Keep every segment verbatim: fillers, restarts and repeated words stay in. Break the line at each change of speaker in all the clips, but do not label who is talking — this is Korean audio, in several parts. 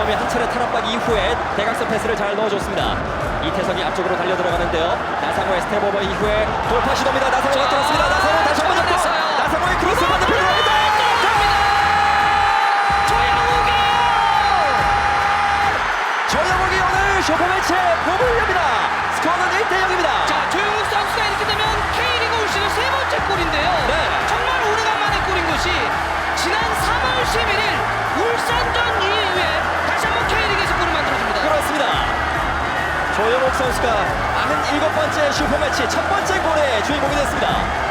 이범이 한 차례 탈압박 이후에 대각선 패스를 잘 넣어줬습니다. 이태성이 앞쪽으로 달려 들어가는데요. 나상호의 스텝 오버 이후에 돌파 시도입니다. 나상호가 들었습니다. 나상호 다시 한번 잡고 나상호의 크로스 반대편으로 갑니다. 조영욱이 조영욱이 오늘 슈퍼매치에 몸을 엽니다. 스코어는 일 대 영입니다.
자, 조영욱 선수가 이렇게 되면 K리그 올 시즌 세 번째 골인데요.
네.
정말 오래간만에 골인 것이 지난 삼월 십일일 울산전 이후에 다시 한번 K리그에서 골을 만들어줍니다.
그렇습니다. 조영욱 선수가 구십칠 번째 슈퍼매치 첫 번째 골의 주인공이 됐습니다.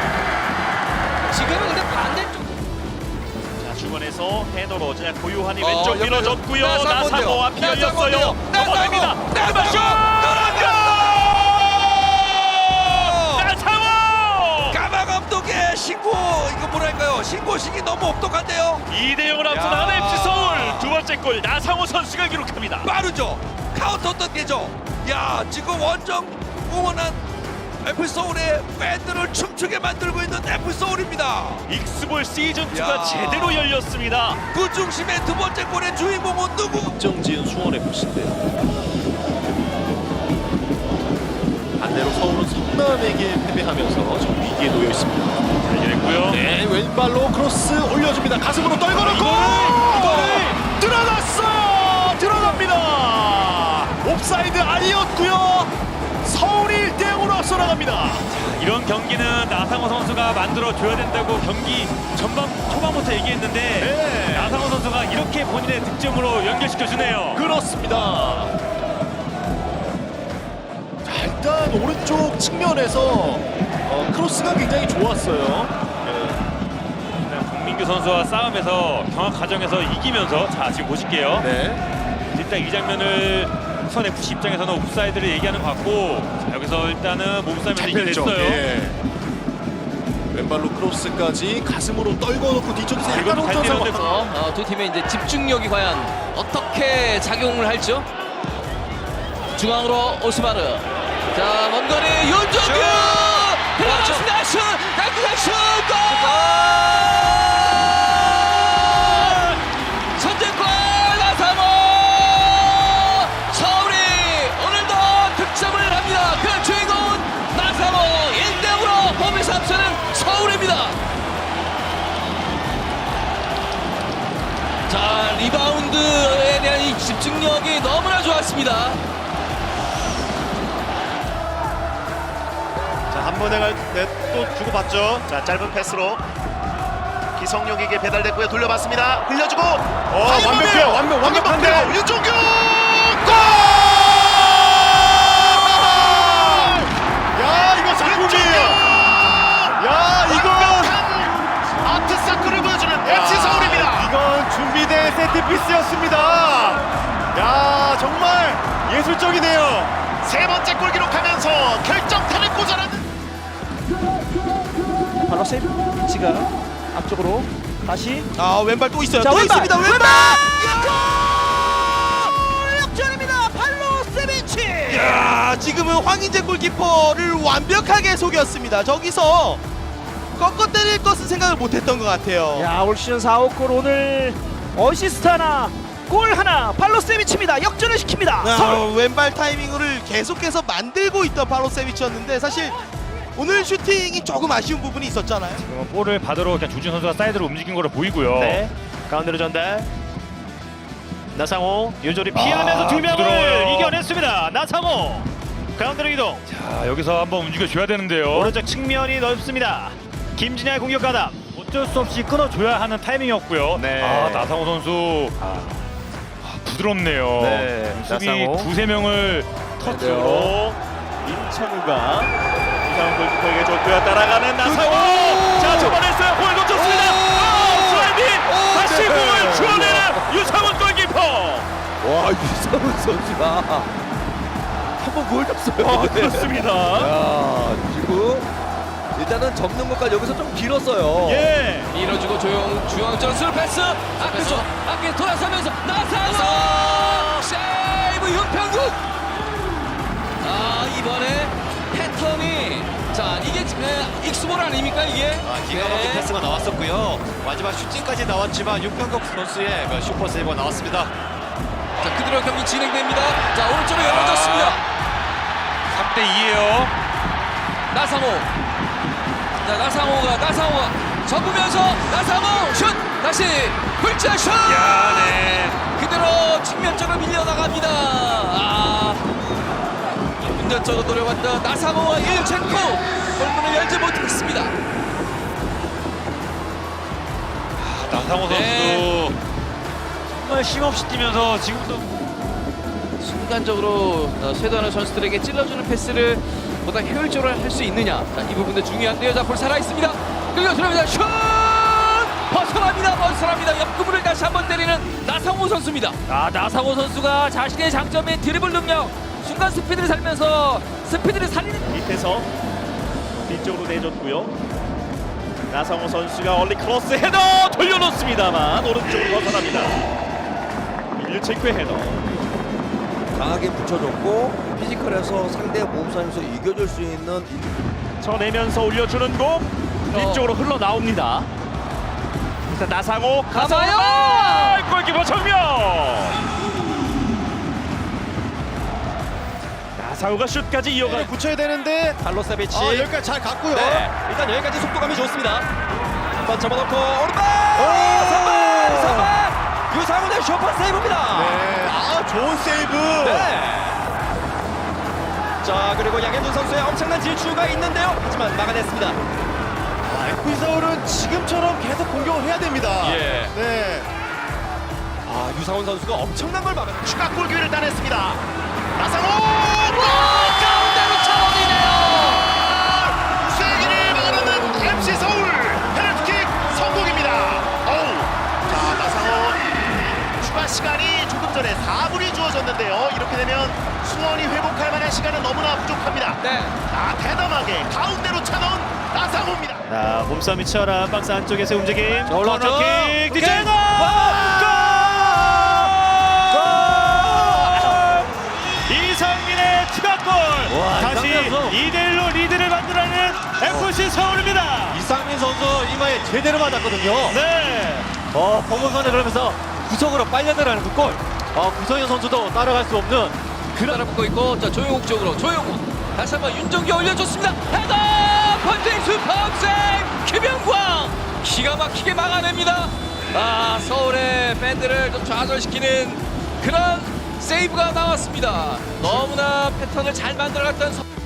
지금은 근데 반대쪽.
자, 중원에서 헤더로 자 고요한이
어,
왼쪽
옆에서
밀어줬고요.
나상호인데요.
나상호 앞이 열렸어요.
나상호인데요.
넘어갑니다.
나상호!
나상호!
까마 감독의 신고 이거 뭐랄까요? 신고식이 너무 똑똑한데요.
이 대 영으로 앞서
야.
나가는 엠씨 서울 두 번째 골 나상호 선수가 기록합니다.
빠르죠. 카운터 던게죠. 야 지금 원정 응원한 에프 서울의 팬들을 춤추게 만들고 있는 에프 서울입니다.
익스볼 시즌
야.
이가 제대로 열렸습니다.
그 중심의 두 번째 골의 주인공은 누구?
정지은 수원에프씨인데 반대로 서울은 성남에게 패배하면서 지금 위기에 놓여 있습니다.
잘 열렸고요.
네, 왼발로 크로스 올려줍니다. 가슴으로 떨궈놓고
이거를,
들어갔어요. 들어갑니다. 옵사이드 아니었고요. 서울이 일 대 영으로 앞서 나갑니다.
이런 경기는 나상호 선수가 만들어줘야 된다고 경기 전반 초반부터 얘기했는데
네.
나상호 선수가 이렇게 본인의 득점으로 연결시켜주네요.
그렇습니다. 자, 일단 오른쪽 측면에서 어, 크로스가 굉장히 좋았어요. 네.
박민규 선수와 싸움에서 경합 과정에서 이기면서 자 지금 보실게요.
네.
일단 이 장면을 선 에프씨 입장에서는 옵사이드를 얘기하는 것 같고 자, 여기서 일단은 몸싸움에서 이게
잡혔죠.
됐어요.
예. 왼발로 크로스까지 가슴으로 떨궈놓고 뒤쪽에서 약간
이것도 잘
혼전 상황.
때렸는데
어, 두 팀의 이제 집중력이 과연 어떻게 작용을 할죠? 중앙으로 오스마르. 자, 먼 거리 윤종규 들어갔습니다. 슛! 깔끔한 슛! 골! 선제골 나상호! 서울이 오늘도 득점을 합니다. 그 주인공은 나상호. 일 대 영으로 홈에서 앞서는 서울입니다. 자, 리바운드에 대한 이 집중력이 너무나 좋았습니다.
자, 한 번에 갈 때 또 주고받죠. 자, 짧은 패스로 기성용에게 배달됐고요. 돌려봤습니다. 흘려주고. 어,
완벽해요. 완벽- 완벽한데.
윤종규 골!
야, 이거 작품이에요. 야, 이건
완벽한 아트사크를 보여주는 엠씨 서울입니다.
이건 준비된 세트피스였습니다. 야, 정말 예술적이네요.
세 번째 골 기록하면서 결정타를 꽂아내는
발로세이브 위치가 앞쪽으로 다시
아 왼발 또 있어요.
자,
또
왼발!
있습니다. 왼발.
역전입니다. 발로세비치.
야 지금은 황인재 골키퍼를 완벽하게 속였습니다. 저기서 꺾어 때릴 것은 생각을 못했던 것 같아요.
야, 올 시즌 사 호 골 오늘 어시스트 하나, 골 하나, 발로세비치입니다. 역전을 시킵니다.
아,
서울.
왼발 타이밍을 계속해서 만들고 있던 바로세비치였는데 사실 오늘 슈팅이 조금 아쉬운 부분이 있었잖아요.
볼을 받으러 그냥 조준 선수가 사이드로 움직인 거로 보이고요.
네. 가운데로 전달. 나상호 유조리 피하면서
아,
두 명을
부드러워요.
이겨냈습니다. 나상호 가운데로 이동.
자 여기서 한번 움직여줘야 되는데요.
오른쪽 측면이 넓습니다. 김진야의 공격 가담.
어쩔 수 없이 끊어줘야 하는 타이밍이었고요.
네.
아 나상호 선수 아, 부드럽네요.
네,
수비
나상호.
두세 명을 터치로
임창우가 이상훈 골키퍼에게 줬고요. 따라가는 나상호.
자 초반했어요. 볼 놓쳤습니다. 아, 슬라이딩 다시 공을 주워내는 유상훈 골키퍼.
와, 유상훈 선수가 한번 보여줬어요.
아 그렇습니다.
야, 지금 일단은 접는 것까지 여기서 좀 길었어요.
예.
밀어주고 조용 중앙전 스루 패스 앞에서 앞에 돌아서면서 나상호 세이브 윤평국. 아, 이번에 패턴이 자 이게 에, 익스볼 아닙니까 이게?
아, 기가 막힌
네.
패스가 나왔었고요. 마지막 슈팅까지 나왔지만 윤평국 선수의 그 슈퍼 세이브가 나왔습니다.
자, 그대로 경기 진행됩니다. 자, 오른쪽으로 열어졌습니다.
삼 대 이예요.
나상호. 자, 나상호가 나상호가 접으면서 나상호 슛. 다시 훌자 슛.
야, 네.
그대로 측면적으로 밀려나갑니다. 아, 운전적으로 노려봤던 나상호와 일첸코 골문을 열지 못했습니다.
나상호 선수도
네.
정말 쉼없이 뛰면서 지금도
순간적으로 어, 쇄도하는 선수들에게 찔러주는 패스를 보다 효율적으로 할 수 있느냐. 자, 이 부분도 중요한데요. 자, 볼 살아 있습니다. 끌려 들어갑니다. 슛! 벗어납니다. 벗어납니다. 옆구부를 다시 한번 때리는 나상호 선수입니다.
아, 나상호 선수가 자신의 장점인 드리블 능력, 순간 스피드를 살면서 스피드를 살리는
밑에서 뒤쪽으로 내줬고요. 나상호 선수가 얼리 크로스 헤더 돌려놓습니다만 오른쪽으로 벗어납니다. 일류체크의 헤더.
강하게 붙여줬고 피지컬에서 상대 몸싸움에서 이겨줄 수 있는
쳐내면서 올려주는 공 뒤쪽으로 흘러나옵니다. 일단 나상호
가봐요!
가서 골키퍼 정면. 나상호가 슛까지 이어가 붙여야 되는데
칼로세비치.
아, 여기까지 잘 갔고요.
네, 일단 여기까지 속도감이 좋습니다. 한번 접어놓고 오른발. 선발, 선발. 유상훈의 슈퍼 세이브입니다.
네, 아 좋은 세이브.
네. 자, 그리고 양현준 선수의 엄청난 질주가 있는데요. 하지만 막아냈습니다.
아, 에프씨 서울은 지금처럼 계속 공격을 해야 됩니다.
예.
네.
아, 유상훈 선수가 엄청난 걸 막아.
추가 골 기회를 따냈습니다. 나상호
가운데로 차원이네요.
쐐기를 막아내는 엠씨 서울 페널티킥 성공입니다. 어우, 자 나상호 추가 시간이 조금 전에 사 분이 주어졌는데요. 이렇게 되면 수원이 회복할 만한 시간은 너무나 부족합니다.
네.
아 대담하게 가운데로 차놓은 나상호입니다.
자, 몸싸움이 치열한 박스 안쪽에서 움직임.
자, 올라왔죠?
코너킥
오케이.
뒷장거 이상민의 추가골. 다시
이상민 선수.
이 대 일로 리드를 만들어내는 에프씨 서울입니다.
이상민 선수 이마에 제대로 맞았거든요.
네.
어, 범원선에 그러면서 구석으로 빨려 들어가는 그 골. 어, 구성현 선수도 따라갈 수 없는
그를 붙고 있고, 자, 조용욱 쪽으로 조용욱 다시 한번 윤정기 올려줬습니다. 헤더 펀칭 슈퍼세이브 김영광 기가 막히게 막아냅니다. 아, 서울의 팬들을 좀 좌절시키는 그런 세이브가 나왔습니다. 너무나 패턴을 잘 만들어갔던 서...